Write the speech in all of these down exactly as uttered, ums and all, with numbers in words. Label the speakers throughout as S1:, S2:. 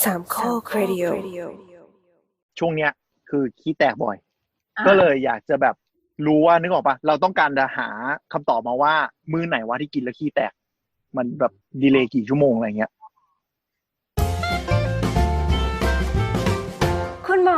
S1: สามข้อครดิโอ
S2: ช่วงเนี้ยคือขี้แตกบ่อยก็เลยอยากจะแบบรู้ว่านึกออกปะเราต้องการจะหาคำตอบมาว่ามื้อไหนวะที่กินแล้วขี้แตกมันแบบดีเลย์กี่ชั่วโมงอะไรเงี้ย
S1: คุณหมอ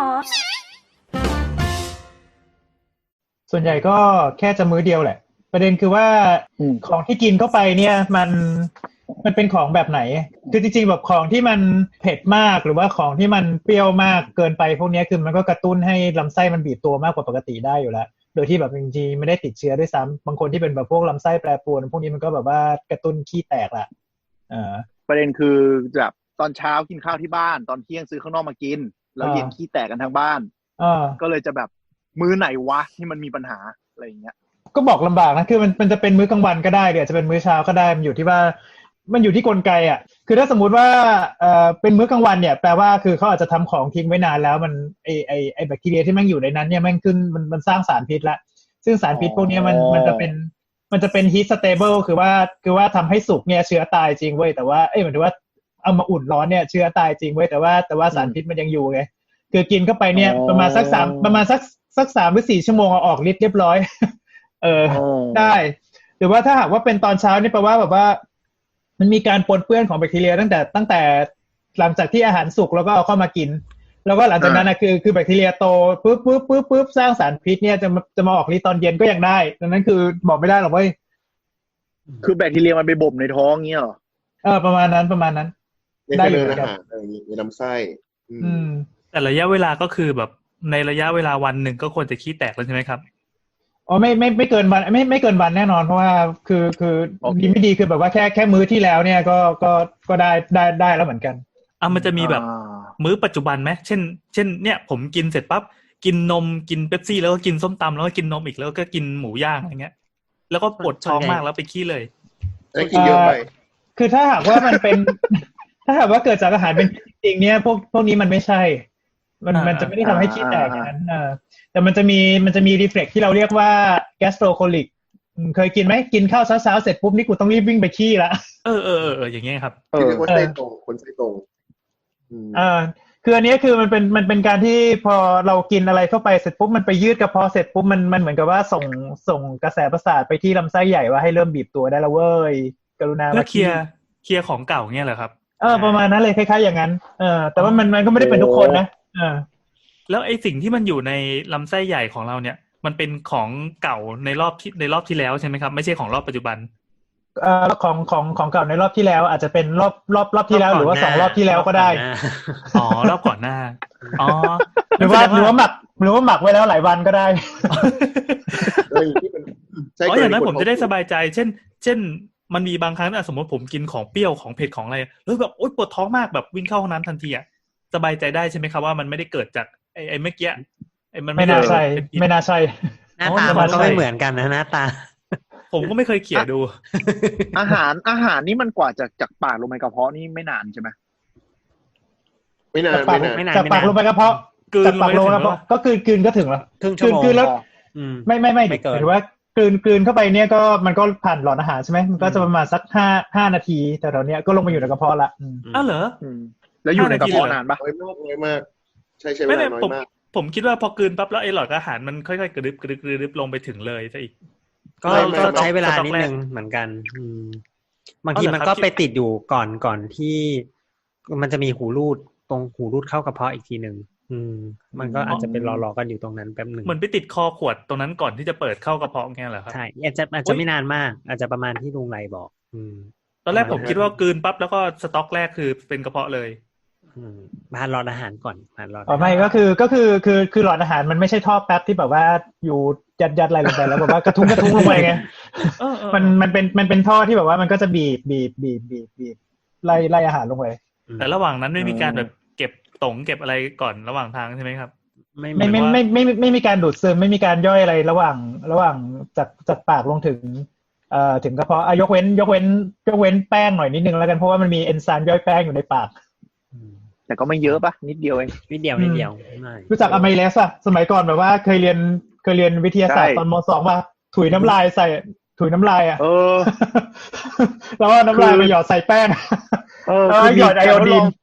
S3: ส่วนใหญ่ก็แค่จะมื้อเดียวแหละประเด็นคือว่าของที่กินเข้าไปเนี่ยมันมันเป็นของแบบไหนคือจริงๆแบบของที่มันเผ็ดมากหรือว่าของที่มันเปรี้ยวมากเกินไปพวกนี้คือมันก็กระตุ้นให้ลำไส้มันบีบตัวมากกว่าปกติได้อยู่แล้วโดยที่แบบจริงๆไม่ได้ติดเชื้อด้วยซ้ำบางคนที่เป็นแบบพวกลำไส้แปรปรวนพวกนี้มันก็แบบว่ากระตุ้นขี้แตกละอ่า
S2: ประเด็นคือแบบตอนเช้ากินข้าวที่บ้านตอนเที่ยงซื้อข้างนอกมากินแล้วเย็นขี้แตกกันทั้งบ้านก็เลยจะแบบมื้อไหนวะที่มันมีปัญหาอะไรอย่างเงี้ย
S3: ก็บอกลำบากนะคือมันมันจะเป็นมื้อกลางวันก็ได้หรืออาจจะเป็นมื้อเช้าก็ได้มันอยู่ที่ว่ามันอยู่ที่กลไกอ่ะคือถ้าสมมุติว่าเอ่อเป็นมื้อกลางวันเนี่ยแปลว่าคือเขาอาจจะทำของทิ้งไว้นานแล้วมันไอไอไอแบคทีเรียที่มันอยู่ในนั้นเนี่ยมันขึ้นมันมันสร้างสารพิษละซึ่งสารพิษพวกนี้มันมันจะเป็นมันจะเป็น heat stable คือว่าคือว่าทำให้สุกเนี่ยเชื้อตายจริงเว้ยแต่ว่าเอ้ยหมายถึงว่าเอามาอุ่นร้อนเนี่ยเชื้อตายจริงเว้ยแต่ว่าแต่ว่าสารพิษมันยังอยู่ไงคือกินเข้าไปเนี่ยประมาณสักสามประมาณสักสักสามหรือสี่ชั่วโมงเอาออกฤทธิ์เรียบร้อยเออได้หรือว่าถ้าหากว่าเป็นตอนเช้านี่แปลว่าแบบว่ามันมีการปนเปื้อนของแบคทีเรียตั้งแต่ตั้งแต่หลังจากที่อาหารสุกแล้วก็เอาเข้ามากินแล้วก็หลังจากนั้นนะคือคือแบคทีเรียโตปุ๊บปุ๊บปุ๊บปุ๊บสร้างสารพิษเนี่ยจะจะมาออกฤทธิ์ตอนเย็นก็ยังได้ดังนั้นคือบอกไม่ได้หรอกเว้ย
S2: คือแบคทีเรียมันไปบ่มในท้องเงี้ยเหรอ
S3: เออประมาณนั้นประมาณนั้น
S4: ได้เลยอาหารอะไรอย่างงี้ในลำไส้
S5: อืมแต่ระยะเวลาก็คือแบบในระยะเวลาวันหนึ่งก็ควรจะขี้แตกแล้วใช่ไหมครับ
S3: อ๋อไม่ไม่ไม่เกินวันไม่ไม่เกินวันแน่นอนเพราะว่าคือคือดีไม่ดีคือแบบว่าแค่แค่มื้อที่แล้วเนี่ยก็ก็ก็ได้ได้ได้แล้วเหมือนกัน
S5: อ่ะมันจะมีแบบมื้อปัจจุบันไหมเช่นเช่นเนี่ยผมกินเสร็จปั๊บกินนมกินเป๊ปซี่แล้วก็กินส้มตำแล้วก็กินนมอีกแล้วก็กินหมูย่างอะไรเงี้ยแล้วก็ปวดท้องมากแล้วไปขี้เลย
S4: แล้วกินเยอะไป
S3: คือถ้าหากว่ามันเป็นถ้าหากว่าเกิดจากอาหารเป็นจริงเนี่ยพวกพวกนี้มันไม่ใช่มันมันจะไม่ได้ทำให้ขี้แตกอย่างนั้นอ่าแต่มันจะมีมันจะมีรีเฟล็กที่เราเรียกว่า gastrocolic เคยกินไหมกินข้าวเช้าๆเสร็จปุ๊บนี่กูต้องรีบวิ่งไปขี้ละ
S5: เออเออเอออย่างเงี้ยครับ
S4: คือคนไส้ตรงคนไส้ตรง
S3: อ่าคืออันนี้คือมันเป็นมันเป็นการที่พอเรากินอะไรเข้าไปเสร็จปุ๊บมันไปยืดกระเพาะเสร็จปุ๊บมันมันเหมือนกับว่าส่งส่งกระแสประสาทไปที่ลำไส้ใหญ่ว่าให้เริ่มบีบตัวได้แล้วเว้ยกรุณา
S5: มาเคลียร์เคลียร์ของเก่าเงี้ยเหรอครับ
S3: เออประมาณนั้นเลยคล้ายๆอย่างนั้นเออแต่ว่ามันมันก็ไม่ได้เป็นทุกคนนะเออ
S5: แล้วไอ้สิ่งที่มันอยู่ในลำไส้ใหญ่ของเราเนี่ยมันเป็นของเก่าในรอบที่ในรอบที่แล้วใช่ไหมครับไม่ใช่ของรอบปัจจุบัน
S3: เอ่อของของของเก่าในรอบที่แล้วอาจจะเป็นรอบรอบรอบที่แล้วหรือว่าสองรอบที่แล้วก็ได้
S5: อ๋อรอบก่อนหน้าอ๋อ
S3: หรือว่าหรือว่าหมักหรือว่าหมักไว้แล้วหลายวันก็ได้
S5: อ๋ออย่างนั้นผมจะได้สบายใจเช่นเช่นมันมีบางครั้งนะสมมติผมกินของเปรี้ยวของเผ็ดของอะไรแล้วแบบโอ๊ยปวดท้องมากแบบวิ่งเข้าห้องน้ำทันทีอ่ะสบายใจได้ใช่ไหมครับว่ามันไม่ได้เกิดจากไอ้ไอ้เมื่อกี้ไอ้มัน
S3: ไม่น่าใช่ไม่น่าใช่
S6: หน้าตามันก็ไม่เหมือนกันนะหน้าตา
S5: ผมก็ไม่เคยเขี่ยดู
S2: อาหารอาหารนี่มันกว่าจากจากปากลงไปกระเพาะนี่ไม่นานใช่ไหม
S4: ไม่นาน
S3: ไม่นานจากปากลงไปกระเพาะจากปากลงกระเพาะก็คืนคืนก็ถึงแล้วคืนคืนแล้วไม่ไม่ไม่หมายถึงว่ากลืนกลืนเข้าไปเนี่ยก็มันก็ผ่านหลอดอาหารใช่ไหมมันก็จะประมาณสักห้าห้านาทีแต่ตอนเนี้ยก็ลงมาอยู่ในกระเพาะละ
S5: อ้าวเหรอ
S2: แล้วอยู่ในกระเพาะนานปะ
S4: น้อยมากน้อยมากใช่ใช่ไม่น้อยมาก
S5: ผมคิดว่าพอกลืนปั๊บแล้วไอ้หลอดอาหารมันค่อยๆกระดึบกระดึบกระดึบลงไปถึงเลยซะอีก
S6: ก็ก็ใช้เวลานิดนึงเหมือนกันบางทีมันก็ไปติดอยู่ก่อนก่อนที่มันจะมีหูรูดตรงหูรูดเข้ากระเพาะอีกทีนึงอืมมันก็อาจจะเป็นรอๆกันอยู่ตรงนั้นแป๊บนึง
S5: เหมือนไปติดคอขวดตรงนั้นก่อนที่จะเปิดเข้ากระเพาะแค่เหรอครับ
S6: ใช่อาจจะอาจจะไม่นานมากอาจจะประมาณที่ลุงไรบอกอืม
S5: ตอนแรกผมคิดว่ากลืนปั๊บแล้วก็สต็อกแรกคือเป็นกระเพาะเลย
S6: อืมผ่านหลอดอาหารก่อนผ่านหลอด
S3: อ๋อไม่ก็คือก็คือคือคือหลอดอาหารมันไม่ใช่ท่อแป๊บที่แบบว่าอยู่ยัดยัดอะไรลงไปแล้วแบบว่ากระทุ้งกระทุ้งลงไปไงมันมันเป็นมันเป็นท่อที่แบบว่ามันก็จะบีบบีบบีบบีบบีบไล่ไล่อาหารลงไป
S5: แต่ระหว่างนั้นไม่มีการแบบเก็บตงเก็บอะไรก่อนระหว่างทางใช่ไหมครับ
S3: ไม่ไม่ไม่ไม่ไม่ไม่มีการดูดซึมไม่มีการย่อยอะไรระหว่างระหว่างจากจากปากลงถึงเอ่อถึงกระเพาะยกเว้นยกเว้นยกเว้นแป้งหน่อยนิดนึงแล้วกันเพราะว่ามันมีเอนไซม์ย่อยแป้งอยู่ในปาก
S2: แต่ก็ไม่เยอะปะนิดเดียวเอง
S6: นิดเดียวนิดเดียว
S3: รู้จักอะไมเลสอะสมัยก่อนแบบว่าเคยเรียนเคยเรียนวิทยาศาสตร์ตอนม.สอง ป่ะถุยน้ำลายใส่ถุยน้ำลายอะ
S2: เออ
S3: แล้วว่าน้ำลายไปหยอดใส่แป้งแล้วหยอดไอโอดีน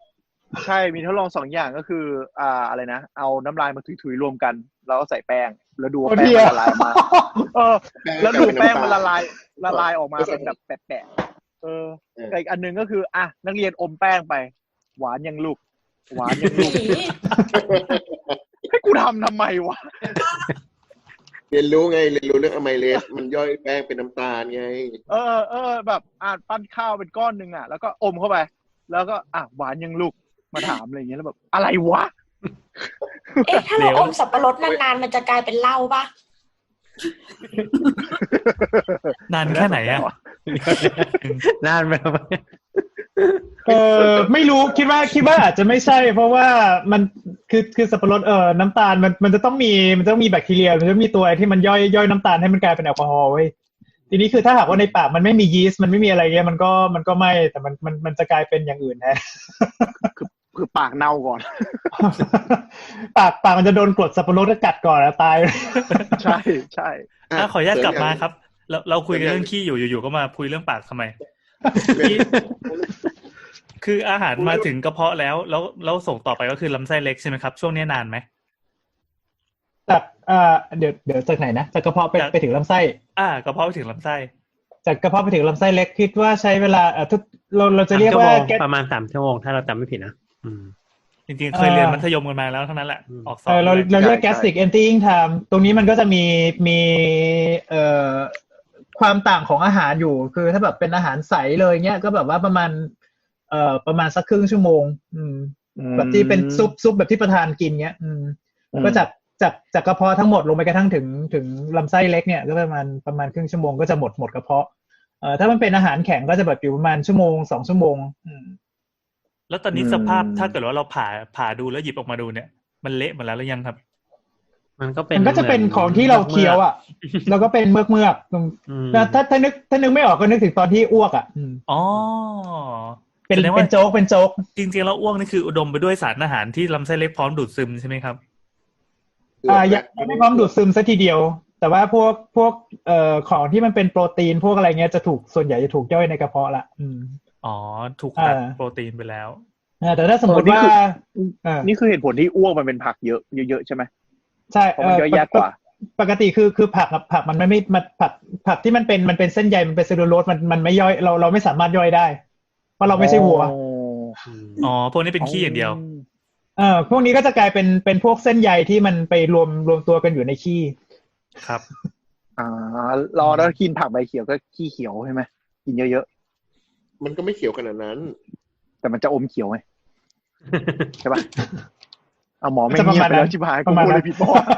S2: ใช่มีทดลองสองอย่างก็คืออ่าอะไรนะเอาน้ำลายมาถุยๆรวมกันแล้วก็ใส่แป้งแล้วดูว่าแป้งมันละลายมาเออแล้วดูแป้งมันละลายละลายออกมาเป็นแบบแปะๆเอออีกอันนึงก็คืออ่ะนักเรียนอมแป้งไปหวานยังลูกหวานยังลูกให้กูทำทำไมวะ
S4: เรียนรู้ไงเรียนรู้เรื่องอะไมเลสมันย่อยแป้งเป็นน้ำตาลไง
S2: เออเออแบบอ่ะปั้นข้าวเป็นก้อนนึงอ่ะแล้วก็อมเข้าไปแล้วก็อ่ะหวานยังลูกมาถามอะไรอย่างเงี้ยแล้วแบบอะไรวะ
S1: เอ๊ะถ้าเราอมสับปะรดนานๆมันจะกลายเป็นเหล้าปะ
S5: นานแค่ไหนอ่ะ
S6: นานไปไหม
S3: เออไม่รู้คิดว่าคิดว่าอาจจะไม่ใช่เพราะว่ามันคือคือสับปะรดเออน้ำตาลมันมันจะต้องมีมันต้องมีแบคทีเรียมันจะมีตัวที่มันย่อยย่อยน้ำตาลให้มันกลายเป็นแอลกอฮอล์เว้ยทีนี้คือถ้าหากว่าในปากมันไม่มียีสต์มันไม่มีอะไรเงี้ยมันก็มันก็ไม่แต่มันมันมันจะกลายเป็นอย่างอื่นแทน
S2: คือคือปากเน่าก่อน
S3: ปากปากมันจะโดนกรดสับปะรดกัดก่อนแล้วตาย
S2: ใช่ใช่
S5: ถ้าขออนุญาตกลับมาครับเราเราคุยกันเรื่องขี้อยู่อยู่ๆก็มาคุยเรื่องปากทำไมคืออาหารมาถึงกระเพาะแล้วแล้วแล้วส่งต่อไปก็คือลำไส้เล็กใช่ไหมครับช่วงนี้นานไหม
S3: จากอ่าเดี๋ยวเดี๋ยวจากไหนนะจากกระเพาะไปไปถึงลำไส้
S5: อ่ากระเพาะไปถึงลำไส้
S3: จากกระเพาะไปถึงลำไส้เล็กคิดว่าใช้เวลาเอ่อทุกเราเราจะเรียกว่า
S6: ประมาณสามชั่วโมงถ้าเราจำไม่ผิดนะอืม
S5: จริงๆเคยเรียนมัธยมกันมาแล้วเท่านั้นแหละออกสอบ
S3: เราเราเรียก gastric emptying time ตรงนี้มันก็จะมีมีเอ่อความต่างของอาหารอยู่คือถ้าแบบเป็นอาหารใสเลยเงี้ยก็แบบว่าประมาณเอ่อประมาณสักครึ่งชั่วโมงอืมแบบที่เป็นซุปซุปแบบที่ประธานกินเงี้ยอืมก็จากจากจากกระเพาะทั้งหมดลงไปกระทั่งถึงถึงลำไส้เล็กเนี่ยก็ประมาณประมาณครึ่งชั่วโมงก็จะหมดหมดกระเพาะเอ่อถ้ามันเป็นอาหารแข็งก็จะแบบอยู่ประมาณชั่วโมงสองชั่วโมงอืม
S5: แล้วตอนนี้สภาพถ้าเกิดว่าเราผ่าผ่าดูแล้วหยิบออกมาดูเนี่ยมันเละหมดแล้วหรือยังครับ
S6: มันก็เป็น
S3: มันก็จะเป็นของที่เราเคี้ยวอ่ะแล้วก็เป็นเมือกเมือกถ้าถ้าถ้านึกถ้านึกไม่ออกก็นึกถึงตอนที่อ้วกอ่ะ
S5: อ๋อ
S3: เป็นเป็นโจ๊กเป็นโจ๊ก
S5: จริงๆแล้วอ้วกนี่คืออุดมไปด้วยสารอาหารที่ลำไส้เล็กพร้อมดูดซึมใช่ไหมครับ
S3: อ่ายังไม่พร้อมดูดซึมซะทีเดียวแต่ว่าพวกพวกเอ่อของที่มันเป็นโปรตีนพวกอะไรเงี้ยจะถูกส่วนใหญ่จะถูกย่อยในกระเพาะละอืม
S5: อ๋อถูกตัดโปรตีนไปแล้ว
S3: แต่ถ้าสมมติว่า
S2: นี่คือเหตุผลที่อ้วกมันเป็นผักเยอะเยอะๆใช่ไหม
S3: ใช่
S2: เพราะมันย่อยยากกว่า
S3: ปกติคือคือผักผักมันไม่ไม่ผักผักที่มันเป็นมันเป็นเส้นใยมันเป็นเซลลูโลสมันมันไม่ย่อยเราเราไม่สามารถย่อยได้เพราะเราไม่ใช่วัว
S5: อ๋อพวกนี้เป็นขี้อย่างเดียว
S3: เออพวกนี้ก็จะกลายเป็นเป็นพวกเส้นใยที่มันไปรวมรวมตัวกันอยู่ในขี้
S5: ครับ
S2: อ่ารอแล้วกินผักใบเขียวก็ขี้เขียวใช่ไหมกินเยอะ
S4: ๆมันก็ไม่เขียวขนาดนั้น
S2: แต่มันจะอมเขียวไหมใช่ป่ะเอาหมอไม่เงียบไปแล้วชิบหายกูพูดเลยผิดป่ะ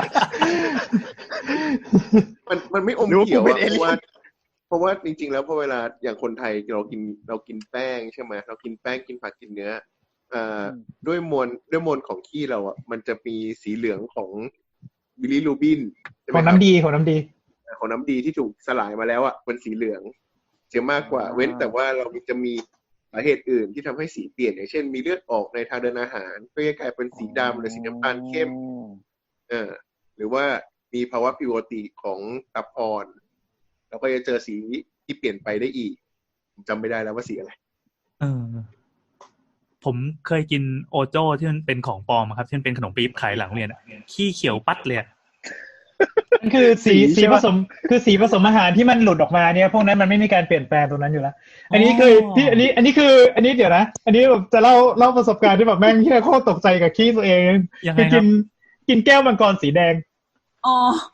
S4: มันมันไม่อมเขียวเพราะว่าเพราะว่าจริงๆแล้วพอเวลาอย่างคนไทยเรากินเรากินแป้งใช่ไหมเรากินแป้งกินผักกินเนื้ออ่าด้วยมวลด้วยมวลของขี้เราอ่ะมันจะมีสีเหลืองของบิลิรูบิน
S3: ของน้ำดีของน้ำดี
S4: ของน้ำดีที่ถูกสลายมาแล้วอ่ะเป็นสีเหลืองเสียมากกว่าเว้นแต่ว่าเราจะมีสาเหตุอื่นที่ทำให้สีเปลี่ยนอย่างเช่นมีเลือดออกในทางเดินอาหารก็จะกลายเป็นสีดำหรือสีน้ำตาลเข้มเออหรือว่ามีภาวะผิวปกติของตับอ่อนเราก็จะเจอสีที่เปลี่ยนไปได้อีกผมจำไม่ได้แล้วว่าสีอะไร
S5: เออผมเคยกินโอโจ้ที่มันเป็นของปลอมครับที่มันเป็นขนมปี๊บขายหลังเรียนอ่ะขี้เขียวปัดเลย
S3: มันคือสีสีผสมคือสีผสมอาหารที่มันหลุดออกมาเนี่ยพวกนั้นมันไม่มีการเปลี่ยนแปลงตรงนั้นอยู่แล้วอันนี้คือที่อันนี้อันนี้คืออันนี้เดี๋ยวนะอันนี้แบบจะเล่าเล่าประสบการณ์ที่แบบแม่งที่โคตรตกใจกับขี้ตัวเองคือกินกินแก้วมังกรสีแดง
S1: อ๋อ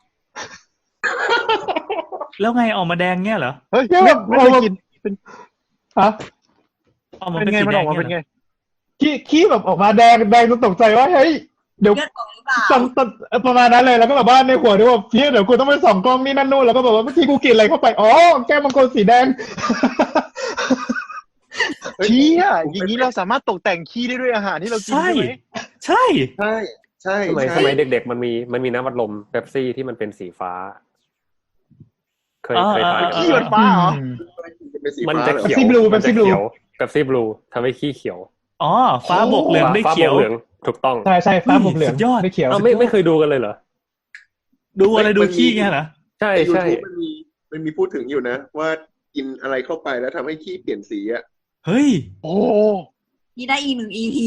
S5: แล้วไงออกมาแดงเงี้ยเหรอ
S2: เฮ้ยไม่ไม่เคยกินเป็น
S3: ฮะ
S5: ออกมาเป็นไงมันออกมาเป็นไง
S3: ขี้ขี้แบบออกมาแดงแดงจนตกใจว่าเฮ้ยเดี๋ยวส่องประมาณนั้นเลยแล้วก็แบบว่าในหัวด้วยว่าเพี่เดี๋ยวกูต้องไปส่องกล้องนี่นั่นนู่นแล้วก็แบบว่าเมื่อกี้กูกินอะไรเข้าไปอ๋อแก้วมังกรสีแดง
S2: ขี้อ่ะอย่างนี้เราสามารถตกแต่งขี้ได้ด้วยอาหารที่เรากินใช่ไหม
S5: ใช่
S4: ใช่ใช่
S7: สมัยสมัยเด็กๆมันมีมันมีน้ำอัดลมเป๊ปซี่ที่มันเป็นสีฟ้าเคยเคยทาน
S2: ขี้มันฟ้าเหรอ
S7: มันจะเขียว
S3: มันจะเขียว
S7: เป๊ปซี่บลูทำให้ขี้เขียว
S5: อ๋อฟ้าบวกเหลืองได้เขียว
S7: ถูกต้อง
S3: ใช่ใช่ฟ้าบวกเหลือง
S5: ไม่
S3: เขียว
S7: เราไม่ไม่เคยดูกันเลยเหรอ
S5: ดูอะไรดูขี้ไงเหรอ
S7: ใช่ใช่
S4: มันมีมันมีพูดถึงอยู่นะว่ากินอะไรเข้าไปแล้วทำให้ขี้เปลี่ยนสีอ่ะ
S5: เฮ้ย
S2: โอ้
S8: นี่ได้อีกหนึ่ง อี พี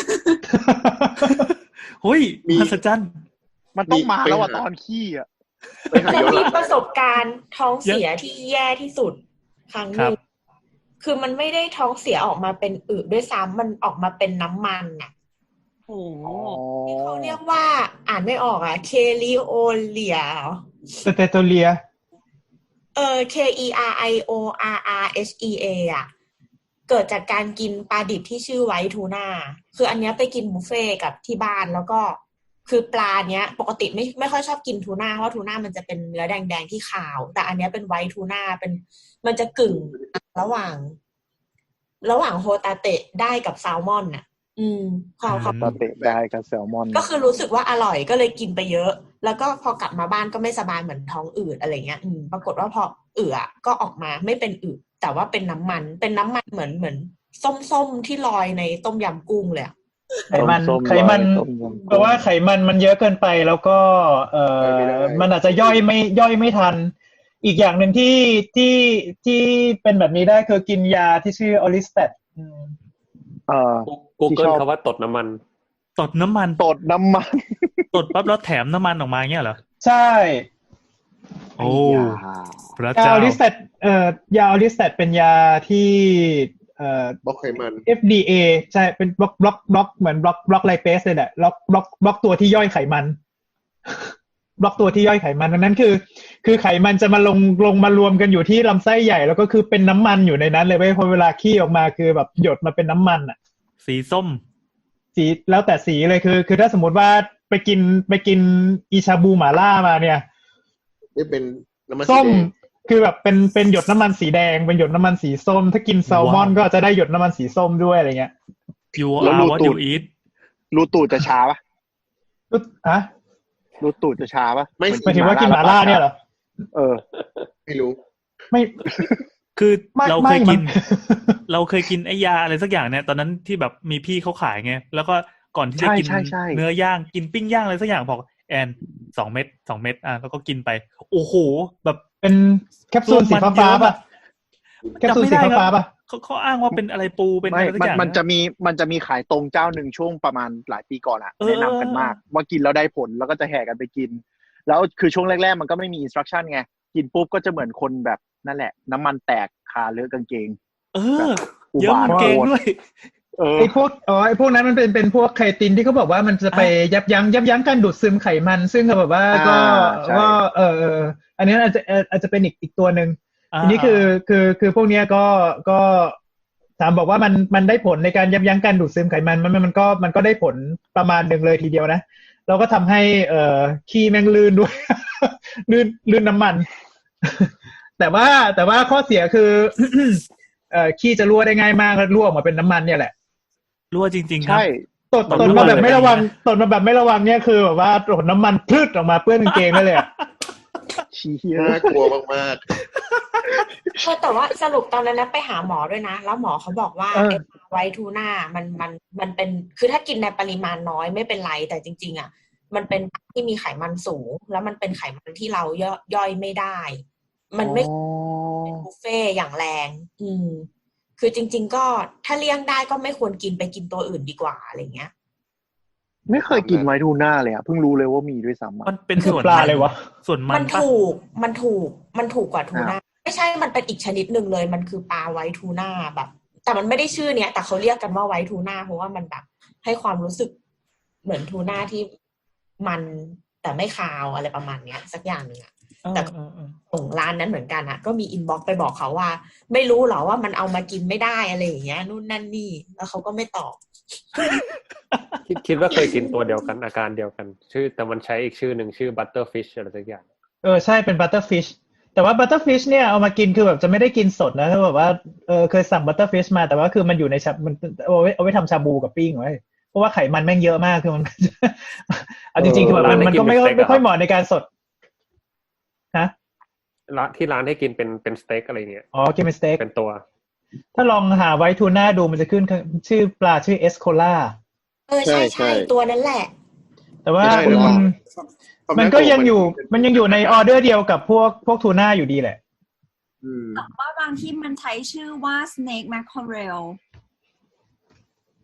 S5: เฮ้ยมหัศจรรย์
S2: มันต้องมาแล้วอ่ะตอนขี้อ่ะ
S4: ไปหา
S1: ฉัน
S4: ย้อนห
S1: มี
S4: ลัง
S1: ประสบการณ์ท้องเสียที่แย่ที่สุดครั้งหนึ่งคือมันไม่ได้ท้องเสียออกมาเป็นอึด้วยซ้ำมันออกมาเป็นน้ำมันน่ะ
S8: โอ้โห
S1: ที่เขาเรียกว่าอ่านไม่ออกอ่ะเคลิโอเลีย
S3: สเตโตเลีย
S1: เออ K E R I O R R H E A อ่ะเกิดจากการกินปลาดิบที่ชื่อไวท์ทูน่าคืออันเนี้ยไปกินบุฟเฟ่กับที่บ้านแล้วก็คือปลาเนี้ยปกติไม่ไม่ค่อยชอบกินทูน่าเพราะทูน่ามันจะเป็นเนื้อแดงๆที่ขาวแต่อันเนี้ยเป็นไวท์ทูน่าเป็นมันจะกึ่งระหว่าง ระหว่างโฮตาเตะได้กับแซลมอนน่ะ อืมความความ
S2: ปลาเตะได้กับแซลมอน
S1: ก็คือรู้สึกว่าอร่อยก็เลยกินไปเยอะ แล้วก็พอกลับมาบ้านก็ไม่สบายเหมือนท้องอืดอะไรเงี้ยอืมปรากฏว่าพอเอือก็ออกมาไม่เป็นอืดแต่ว่าเป็นน้ำมันเป็นน้ำมันเหมือนเหมือนส้มๆที่ลอยในต้มยำกุ้งเลยอะ
S3: ไขมันไขมันเพราะว่าไขมันมันเยอะเกินไปแล้วก็เอ่อมันอาจจะย่อยไม่ย่อยไม่ทันอีกอย่างหนึ่งที่ที่ที่เป็นแบบนี้ได้คือกินยาที่ชื่อออลิสเตต
S2: เอ่อ
S7: Google คำว่าตดน้ำมัน
S5: ตดน้ำมัน
S2: ตดน้ำมัน
S5: ตดปั๊บแล้วแถมน้ำมันออกมาเงี้ยเหรอ
S3: ใช่
S5: โอ้พระ
S3: ยา
S5: เจ้า
S3: ออลิสเตตเอ่อยาออลิสเตตเป็นยาที่เอ่อบ
S4: ล็อกไขมัน
S3: เอฟ ดี เอ ใช่เป็นบล็อกบล็อกบล็อกเหมือนบล็อกบล็อกไลเปสเลยแหละบล็อกบล็อกบล็อกตัวที่ย่อยไขมัน บล็อกตัวที่ย่อยไขมันดังนั้นคือคือไขมันจะมาลงลงมารวมกันอยู่ที่ลำไส้ใหญ่แล้วก็คือเป็นน้ำมันอยู่ในนั้นเลยเว้ยพอเวลาขี้ออกมาคือแบบหยดมาเป็นน้ำมันอ่ะ
S5: สีส้ม
S3: สีแล้วแต่สีเลยคือคือถ้าสมมติว่าไปกินไปกินอิชาบูหม่าล่ามาเนี่ย
S4: นี่เป็นน้ำมัน
S3: ส้ม
S4: สีแดง
S3: คือแบบเป็นเป็นหยดน้ำมันสีแดงเป็นหยดน้ำมันสีส้มถ้ากินแซลมอน
S5: ว้าว
S3: ก็จะได้หยดน้ำมันสีส้มด้วยอะไรเงี้ย
S5: you
S2: แล้ว
S5: are
S2: รู
S5: what
S2: ตู
S5: you
S2: ด
S5: eat
S2: รูตูดจะช้าปะ
S3: รู้อะ
S2: รูตูดจะช้าปะ
S4: ไม่
S3: หมายถึงว่ากินหม่าล่าเนี่ยเหรอ
S2: เออ
S4: ไม่รู้
S3: ไม่
S5: คือ
S3: ไม่
S5: เรา
S3: ไม่
S5: เคยกิน
S3: มัน
S5: เราเคยกินไอ้ยาอะไรสักอย่างเนี่ยตอนนั้นที่แบบมีพี่เขาขายไงแล้วก็ก่อนที่จะ
S2: ใช่
S5: กิน
S2: ใช่ใช่
S5: เนื้อย่างกินปิ้งย่างอะไรสักอย่างบอกแอนสองเม็ดสองเม็ดอ่ะแล้วก็กินไปโอ้โหแบบ
S3: เป็นแคปซูลสีฟ้าๆป่ะแคปซูลสีฟ้าๆป่ะ
S5: เขาเขาอ้างว่าเป็นอะไรปูเป็น
S2: ไม่
S5: อะไรสัก
S2: มัน
S5: อย่าง
S2: มันจะมีมันจะมีขายตรงเจ้าหนึ่งช่วงประมาณหลายปีก่อนอะ
S5: เออ
S2: แนะนำกันมาก ว่ากินแล้วได้ผลแล้วก็จะแห่กันไปกิน แล้วคือช่วงแรกๆมันก็ไม่มีอินสตรัคชั่นไงกินปุ๊บก็จะเหมือนคนแบบนั่นแหละ น้ำมันแตกคาเลือะกางเกง
S5: เอ
S2: แบ
S5: อบ
S2: อุ
S5: เยอะ
S2: บาท
S5: มันเก่งด้วย
S2: เออ
S3: ไอ้พวกอ๋อไอ้พวกนั้นมันเป็นเป็นพวกไคตินที่เขาบอกว่ามันจะไปยับยั้งยับยั้งการดูดซึมไขมัน ซึ่งก็แบบว่าก็
S2: อ่าใช่
S3: ก็เออเอออันนี้อาจจะอาจจะเป็นอีกอีกตัวหนึ่ง
S5: อ่า
S3: ทีนี้คือคือคือพวกเนี้ยก็ก็ถามบอกว่ามันมันได้ผลในการยับยั้งการดูดซึมไขมันมันมันก็มันก็ได้ผลประมาณหนึ่งเลยทีเดียวนะเราก็ทำให้เอ่อขี้แม่งลื่นด้วย ลื่นลื่นน้ำมัน แต่ว่าแต่ว่าข้อเสียคือ เอ่อขี้จะรั่วได้ง่ายมากแล้วรั่วออกมาเป็นน้ำมันเนี่ยแหละ
S5: รั่วจริงๆครับ
S2: ใช่
S3: ตด
S5: ตด
S3: ตด
S5: รั่ว
S3: มาแบบ
S5: เลย
S3: ไม่ระวัง
S5: แบบนี้
S3: ตดมาแบบไม่ระวังเนี่ยคือแบบว่าตดน้ำมันพลืดออกมาเปื้อนกางเกงได้เลยอะ
S2: ชี้เหี้ย
S4: น่ากลัวมาก
S1: เออแต่ว่าสรุปตอนนั้นนะไปหาหมอด้วยนะ แล้วหมอเขาบอกว่าไอ้ไวท์ทูน่ามันมันมันเป็นคือถ้ากินในปริมาณน้อยไม่เป็นไรแต่จริง ๆอ่ะมันเป็นที่มีไขมันสูง แล้วมันเป็นไขมันที่เราย่อยย่อยไม่ได้ มันไม่
S2: อ๋อ
S1: เป็นบุฟเฟ่ต์อย่างแรง อืม คือจริง ๆ ก็ถ้าเลี่ยงได้ก็ไม่ควรกินไปกินตัวอื่นดีกว่าอะไรเงี้ย
S2: ไม่เคยกินไวท์ทูน่าเลยอะเพิ่งรู้เลยว่ามีด้วยซ้ำอะ
S5: มันเป็น
S3: คือ
S5: ส่วน
S3: ปลาเลยวะ
S5: ส่วนมั
S1: มัน น
S5: ปะ
S1: ถูก มันถูก มันถูกกว่าทูน่า ไม่ใช่ มันเป็นอีกชนิดหนึ่งเลย มันคือปลาไวท์ทูน่าแบบ แต่มันไม่ได้ชื่อเนี้ย แต่เขาเรียกกันว่าไวท์ทูน่าเพราะว่ามันแบบให้ความรู้สึกเหมือนทูน่าที่มันแต่ไม่คาวอะไรประมาณเนี้ย สักอย่างหนึ่งอะ แต่
S5: เออเออ
S1: ส่งร้านนั้นเหมือนกันอะก็มีอินบ็อกซ์ไปบอกเขาว่า ไม่รู้หรอว่ามันเอามากินไม่ได้อะไรอย่างเงี้ยนู่นนั่นนี่ แล้วเขาก็ไม่ตอบ
S7: คิดคิดว่าเคยกินตัวเดียวกันอาการเดียวกัน ชื่อแต่มันใช้อีกชื่อหนึ่งชื่อ butterfish อะไรสักอย่าง
S3: เออใช่เป็นบัตเตอร์ฟิชแต่ว่าบัตเตอร์ฟิชเนี่ยเอามากินคือแบบจะไม่ได้กินสดนะคือแบบว่าเออเคยสั่งบัตเตอร์ฟิชมาแต่ว่าคือมันอยู่ในชามันเอาไว้เอาไว้ทำชาบูกับปิ้งไว้เพราะว่าไขมันแม่งเยอะมากคือมัน เอาจริงๆคือแบบมันมันก็ไม่ไม่ค่อยเหมาะในการสดฮะ
S7: ร้านที่ร้านให้กินเป็นเป็นสเต็กอะไรเงี้ย
S3: อ๋อกินเป็นสเต็ก
S7: เป็นตัว
S3: ถ้าลองหาไวท์ทูน่าดูมันจะขึ้นชื่อปลาชื่อเอสโคล่า
S1: เออใช่ใช่ตัวนั้นแหละ
S3: แต่ว่า
S4: ใช่
S3: คุณ
S4: แล้ว ๆ
S3: มันก็ยังอยู่มันยังอยู่ในออเดอร์เดียวกับพวกพวกทูน่าอยู่ดีแหละ
S4: อืม
S8: แต่ว่าบางที่มันใช้ชื่อว่า snake mackerel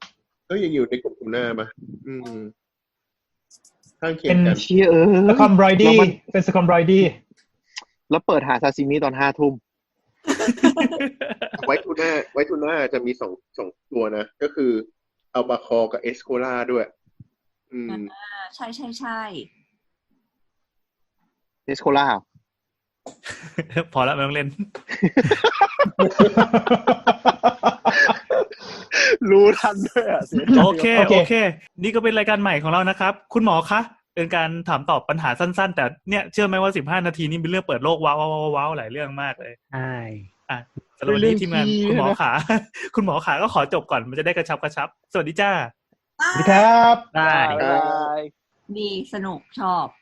S4: ก็ยังอยู่ในกลุ่มทูน่ามาอืมข้างเคีย
S3: เป็
S4: ง
S3: น
S4: กัน
S2: เชี่ยเออ
S3: สคอมบรอยดี้
S2: แล้วมัน
S3: เป็นสคอมบรอยดี้
S2: แล้วเปิดหาซาซิมิตอนห้าทุ่ม
S4: ไวท์ทูน่าไวท์ทูน่าจะมีสองสองตัวนะก็คืออัลบาคอกับเอสโคล่าด้วยอืม
S8: อ่าใช่ใช่ใช่
S2: เอสโคล่า
S5: พอแล้วไม่ต้องเล่น
S2: รู้ทันด้วยอ่ะเสียใจ
S5: โอเค
S3: โอเค
S5: โอเค นี่ก็เป็นรายการใหม่ของเรานะครับ คุณหมอคะ เป็นการถามตอบปัญหาสั้นๆ แต่เนี่ยเชื่อไหมว่าสิบห้านาทีนี้เป็นเรื่องเปิดโลกว้าวว้าวว้าวหลายเรื่องมากเลย
S6: ใช่
S5: อ่ะสำหรับวันนี้ทีมงานคุณหมอขา คุณหมอขาก็ขอจบก่อนมันจะได้กระชับกระชับ สวัสดีจ้า
S3: สวัสดีครับ
S6: ได้
S2: บ๊ายบาย
S8: ดีสนุกชอบ